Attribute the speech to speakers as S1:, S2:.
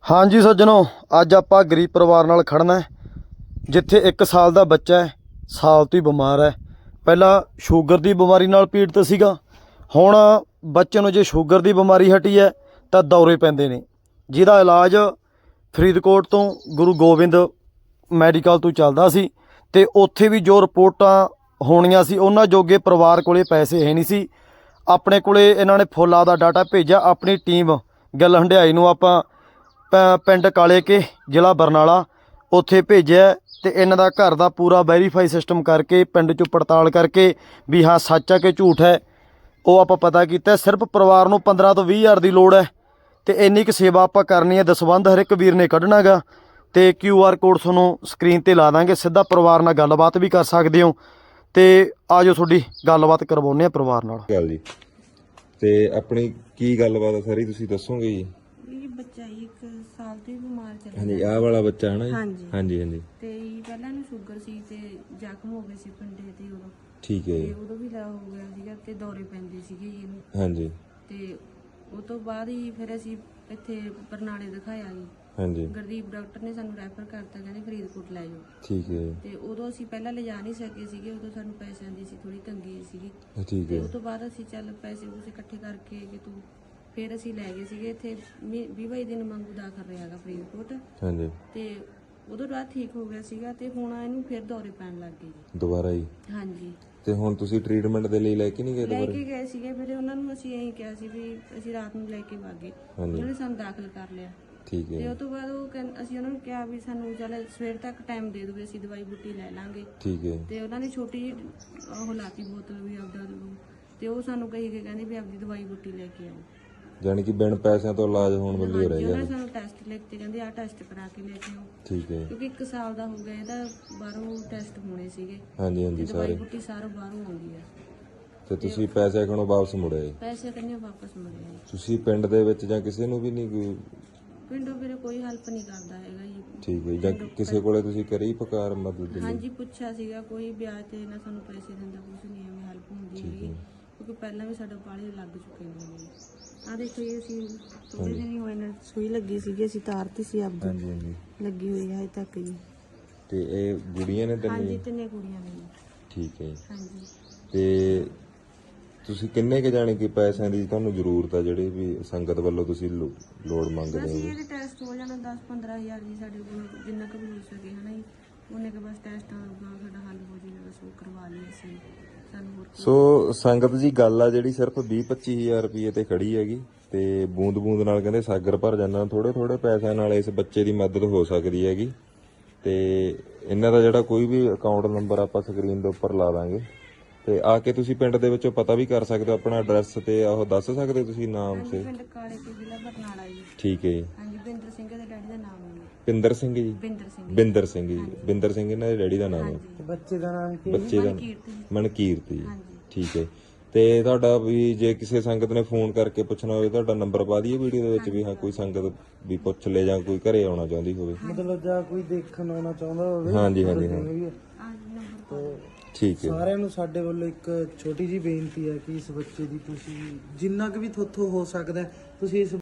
S1: हाँ जी सज्जनों, अज आपां गरीब परिवार नाल खड़ना है जिथे 1 साल का बच्चा है, साल तो ही बीमार है। पहला शूगर की बीमारी नाल पीड़ित सीगा, हुण बच्चे नूं जे शूगर की बीमारी हटी है तो दौरे पैंदे ने, जिहदा इलाज फरीदकोट तो गुरु गोबिंद मैडिकल तो चलदा सी ते उत्थे भी जो रिपोर्टां होणीआं सी उन्हां जोगे परिवार कोले पैसे है नहीं सी। अपने कोले इन्हां ने फुल आपदा डाटा भेजिआ, अपनी टीम गिल हंडियाई नूं आपां पिंड काले के जिला बरनाला उत्थे भेजिआ ते इन्हां दा घर दा पूरा वैरीफाई सिस्टम करके पिंड चों पड़ताल करके भी हाँ सच है कि झूठ है वो आपां पता कीता। सिर्फ परिवार नूं 15 ਤੋਂ 20 हज़ार की लोड़ है तो इन्नी क सेवा आपां करनी है। दसबंध हर एक वीर ने कढ़ना गा तो QR कोड तुहानूं स्क्रीन ते ला दांगे, सीधा परिवार नाल गलबात भी कर सकते हो। तो आ जाओ थोड़ी गलबात करवाउने आ परिवार नाल।
S2: गल जी ते अपनी की गलबात है सारी तुसीं दसोगे जी?
S3: बच्चा 1 साल तो ही बीमार चल
S2: हाँ जी, आह वाला बच्चा है ना जी?
S3: हाँ जी
S2: हाँ जी हाँ जी
S3: ते पहला इहनूं शुगर सी ते जख्म हो गए सी पिंडे ते उदों
S2: ठीक है
S3: ते
S2: जी।
S3: उदों भी ला हो गया सीगा ते दौरे पैंदे सीगे जी इहनूं
S2: हाँ जी
S3: ते उस तो बाद ही फिर असीं इत्थे बरनाले दिखाया जी।
S2: हाँ जी
S3: गुरदीप डॉक्टर ने सानूं रैफर करता, कहंदे फरीदकोट लै जाओ।
S2: ठीक है
S3: ते उदों असीं पहलां लिजा नहीं सके सीगे, उदों सानूं पैसिਆਂ ਦੀ ਸੀ थोड़ी तंगी सीगी
S2: ठीक
S3: ते
S2: है
S3: उस तो बाद असीं ਚੱਲ पैसे ਪੂਸੇ ਇਕੱਠੇ ਕਰਕੇ कि तू फिर असीं लै गए सीगे ਇੱਥੇ 20-22 ਦਿਨ ਵਾਂਗੂ ਦਾਖਲ ਰਿਹਾਗਾ ਫਰੀਦਕੋਟ
S2: हाँ जी
S3: ਤੇ ਉਦੋਂ ਬਾਅਦ ਠੀਕ ਹੋ ਗਿਆ ਸੀਗਾ ਤੇ ਹੁਣ ਇਹਨੂੰ ਫਿਰ ਦੌਰੇ ਪੈਣ ਲੱਗ ਗਏ ਜੀ।
S2: दोबारा ही
S3: ਹਾਂਜੀ
S2: ਤੇ ਹੁਣ ਤੁਸੀਂ ਟ੍ਰੀਟਮੈਂਟ ਦੇ ਲਈ ਲੈ ਕੇ ਨਹੀਂ ਗਏ
S3: ਲੈ
S2: ਦੁਬਾਰਾ?
S3: ਕੇ ਗਏ ਸੀਗੇ, ਫਿਰ ਉਹਨਾਂ ਨੂੰ ਅਸੀਂ ਇਹੀ ਕਿਹਾ ਸੀ ਵੀ ਅਸੀਂ ਰਾਤ ਨੂੰ ਲੈ ਕੇ ਵਾਗੇ, ਉਹਨਾਂ ਨੇ ਸਾਨੂੰ ਦਾਖਲ ਕਰ ਲਿਆ।
S2: ठीक है
S3: ਤੇ ਉਸ ਤੋਂ ਬਾਅਦ ਅਸੀਂ ਉਹਨਾਂ ਨੂੰ ਕਿਹਾ ਵੀ ਸਾਨੂੰ ਚੱਲ ਸਵੇਰ ਤੱਕ ਟਾਈਮ ਦੇ ਦਿਓ, ਅਸੀਂ ਦਵਾਈ ਬੂਟੀ ਲੈ ਲਾਂਗੇ।
S2: ठीक है
S3: ਤੇ ਉਹਨਾਂ ਨੇ ਛੋਟੀ ਜਿਹੀ ਉਹ ਲਾਤੀ ਬੋਤਲ ਵੀ ਆਪਦਾ ਲਓ, ਤੇ ਉਹ ਸਾਨੂੰ ਕਹੀ ਕੇ ਕਹਿੰਦੇ ਵੀ ਆਪਦੀ ਦਵਾਈ ਬੂਟੀ ਲੈ ਕੇ ਆਓ।
S2: ਜਾਨੀ ਕਿ ਬਿਨ ਪੈਸਿਆਂ ਤੋਂ ਇਲਾਜ ਹੋਣ ਵਾਲੀ ਹੋ
S3: ਹਾਂਜੀ,
S2: ਰਿਹਾ
S3: ਉਹਨਾਂ
S2: ਹੈ।
S3: ਨੇ ਸਾਨੂੰ ਟੈਸਟ ਲਿਖ ਕੇ ਕਹਿੰਦੇ ਆਹ ਟੈਸਟ ਕਰਾ ਕੇ ਲੈ ਕੇ ਆਓ,
S2: ठीक है
S3: ਕਿਉਂਕਿ 1 ਸਾਲ ਦਾ ਹੋ ਗਿਆ, ਇਹਦਾ ਬਾਹਰੋਂ ਟੈਸਟ ਹੋਣੇ ਸੀਗੇ
S2: हाँ जी हाँ
S3: ਤੇ
S2: जी
S3: ਦਵਾਈ
S2: ਸਾਰੇ
S3: ਬੂਟੀ ਸਾਰਾ ਬਾਹਰੋਂ ਆਉਂਦੀ ਆ।
S2: ਤੇ ਤੁਸੀਂ ਪੈਸੇ ਖਣੋ ਵਾਪਸ ਮੁੜੇ ਜੀ?
S3: ਪੈਸੇ ਕੰਨੇ ਵਾਪਸ ਮੁੜੇ ਆ ਜੀ।
S2: ਤੁਸੀਂ ਪਿੰਡ ਦੇ ਵਿੱਚ ਜਾਂ ਕਿਸੇ ਨੂੰ ਵੀ ਨਹੀਂ ਕੋਈ?
S3: ਪਿੰਡੋਂ ਵੀਰੇ ਕੋਈ ਹੈਲਪ ਨਹੀਂ ਕਰਦਾ ਹੈਗਾ ਜੀ।
S2: ਠੀਕ ਹੈ ਜੀ। ਜਾਂ ਕਿਸੇ ਕੋਲੇ ਤੁਸੀਂ ਕਰੀ ਪੁਕਾਰ ਮਦਦ ਦੇ ਲਈ?
S3: ਹਾਂਜੀ ਪੁੱਛਿਆ ਸੀਗਾ, ਕੋਈ ਵਿਆਜ ਤੇ ਨਾ ਸਾਨੂੰ ਪੈਸੇ ਦਿੰਦਾ, ਕੁਝ ਨਹੀਂ ਐਵੇਂ ਹੈਲਪ ਹੁੰਦੀ ਹੈਗੀ, ਕਿਉਂਕਿ ਪਹਿਲਾਂ ਵੀ ਸਾਡਾ ਪਾਲੇ ਲੱਗ ਚੁੱਕੇ ਨੇ। ਆ ਦੇਖੋ ਇਹ ਅਸੀਂ ਥੋੜੇ ਦਿਨ ਹੀ ਹੋਏ ਨੇ, ਸੂਈ ਲੱਗੀ ਸੀਗੀ, ਅਸੀਂ ਤਾਰਤੀ ਸੀ ਆਪਦੀ,
S2: ਹਾਂਜੀ ਹਾਂਜੀ
S3: ਲੱਗੀ ਹੋਈ ਹੈ ਹਜੇ ਤੱਕ ਜੀ।
S2: ਤੇ ਇਹ ਗੁੜੀਆਂ ਨੇ
S3: ਹਾਂਜੀ
S2: ਤਿੰਨ?
S3: 3 ਕੁੜੀਆਂ ਨੇ ਜੀ।
S2: ਠੀਕ ਹੈ ਜੀ।
S3: ਹਾਂਜੀ
S2: ਤੇ ਤੁਸੀਂ ਕਿੰਨੇ ਕੁ ਜਾਣੇ ਕਿ ਪੈਸਿਆਂ ਦੀ ਤੁਹਾਨੂੰ ਜ਼ਰੂਰਤ ਆ ਜਿਹੜੇ ਵੀ ਸੰਗਤ ਵੱਲੋਂ ਤੁਸੀਂ ਲੋੜ ਮੰਗਦੇ
S3: ਬਸ
S2: ਹੋ?
S3: ਇਹਦੇ ਟੈਸਟ ਹੋ ਜਾਣਾ 10-15 ਹਜ਼ਾਰ ਜੀ, ਸਾਡੇ ਕੋਲ ਜਿੰਨਾ ਕੁ ਵੀ ਹੋ ਸਕੇ ਹਨਾ ਜੀ, ਉਹਨੇ ਕੇ ਬਸ ਟੈਸਟਾਂ ਦਾ ਸਾਡਾ ਹੱਲ ਹੋ ਜਾਏਗਾ, ਬਸ ਉਹ ਕਰਵਾ ਲਈਏ ਅਸੀਂ। ਸਾਨੂੰ ਹੋਰ
S2: ਸੋ ਸੰਗਤ ਜੀ ਗੱਲ ਆ ਜਿਹੜੀ ਸਿਰਫ 20-25 ਹਜ਼ਾਰ ਰੁਪਏ ਤੇ ਖੜੀ ਹੈਗੀ ਤੇ ਬੂੰਦ ਬੂੰਦ ਨਾਲ ਕਹਿੰਦੇ ਸਾਗਰ ਭਰ ਜਾਂਦਾ। ਥੋੜੇ ਥੋੜੇ ਪੈਸਿਆਂ ਨਾਲ ਇਸ ਬੱਚੇ ਦੀ ਮਦਦ ਹੋ ਸਕਦੀ ਹੈਗੀ ਤੇ ਇਹਨਾਂ ਦਾ ਜਿਹੜਾ ਕੋਈ ਵੀ ਅਕਾਊਂਟ ਨੰਬਰ ਆਪਾਂ ਸਕਰੀਨ ਦੇ ਉੱਪਰ ਲਾ ਦਾਂਗੇ ਤੇ ਆ ਕੇ ਤੁਸੀਂ ਪਿੰਡ ਦੇ ਵਿੱਚੋਂ ਪਤਾ ਵੀ ਕਰ ਸਕਦੇ ਹੋ, ਆਪਣਾ ਐਡਰੈਸ ਤੇ ਉਹ ਦੱਸ ਸਕਦੇ ਹੋ ਤੁਸੀਂ ਨਾਮ ਸੇ?
S3: ਪਿੰਡ ਕਾਲੇ ਕੇ ਜ਼ਿਲ੍ਹਾ ਬਰਨਾਲਾ ਜੀ।
S2: ਠੀਕ ਹੈ ਜੀ।
S3: ਹਾਂਜੀ ਬਿੰਦਰ ਸਿੰਘ ਦੇ ਡੈਡੀ ਦਾ ਨਾਮ ਹੈ
S2: ਪਿੰਦਰ ਸਿੰਘ ਜੀ?
S3: ਬਿੰਦਰ ਸਿੰਘ।
S2: ਬਿੰਦਰ ਸਿੰਘ ਜੀ। ਬਿੰਦਰ ਸਿੰਘ ਇਹਨਾਂ ਦੇ ਡੈਡੀ ਦਾ ਨਾਮ ਹੈ।
S3: ਬੱਚੇ ਦਾ ਨਾਮ ਕੀ?
S2: ਬੱਚੇ ਦਾ
S3: ਮਨਕੀਰਤ ਜੀ।
S2: ਮਨਕੀਰਤ ਜੀ।
S3: ਹਾਂਜੀ
S2: ਠੀਕ ਹੈ। ਤੇ ਤੁਹਾਡਾ ਵੀ ਜੇ ਕਿਸੇ ਸੰਗਤ ਨੇ ਫੋਨ ਕਰਕੇ ਪੁੱਛਣਾ ਹੋਵੇ, ਤੁਹਾਡਾ ਨੰਬਰ ਪਾ ਦਈਏ ਵੀਡੀਓ ਦੇ ਵਿੱਚ ਵੀ ਹਾਂ ਕੋਈ ਸੰਗਤ ਵੀ ਪੁੱਛ ਲੈ ਜਾਂ ਕੋਈ ਘਰੇ ਆਉਣਾ ਚਾਹੁੰਦੀ ਹੋਵੇ?
S4: ਮਤਲਬ ਜਾਂ ਕੋਈ ਦੇਖਣ ਆਉਣਾ ਚਾਹੁੰਦਾ ਹੋਵੇ?
S2: ਹਾਂਜੀ ਹਾਂਜੀ ਹਾਂ
S3: ਆਜ ਨੰਬਰ
S2: ਠੀਕ ਹੈ।
S4: ਸਾਰਿਆਂ ਨੂੰ ਸਾਡੇ ਵੱਲੋਂ ਇੱਕ ਛੋਟੀ ਜੀ ਬੇਨਤੀ ਹੈ ਕਿ ਇਸ ਬੱਚੇ ਦੀ ਤੁਸੀਂ ਜਿੰਨਾ ਕੁ ਵੀ ਥੋਥੋਂ ਹੋ ਸਕਦਾ ਤੁਸੀਂ ਇਸ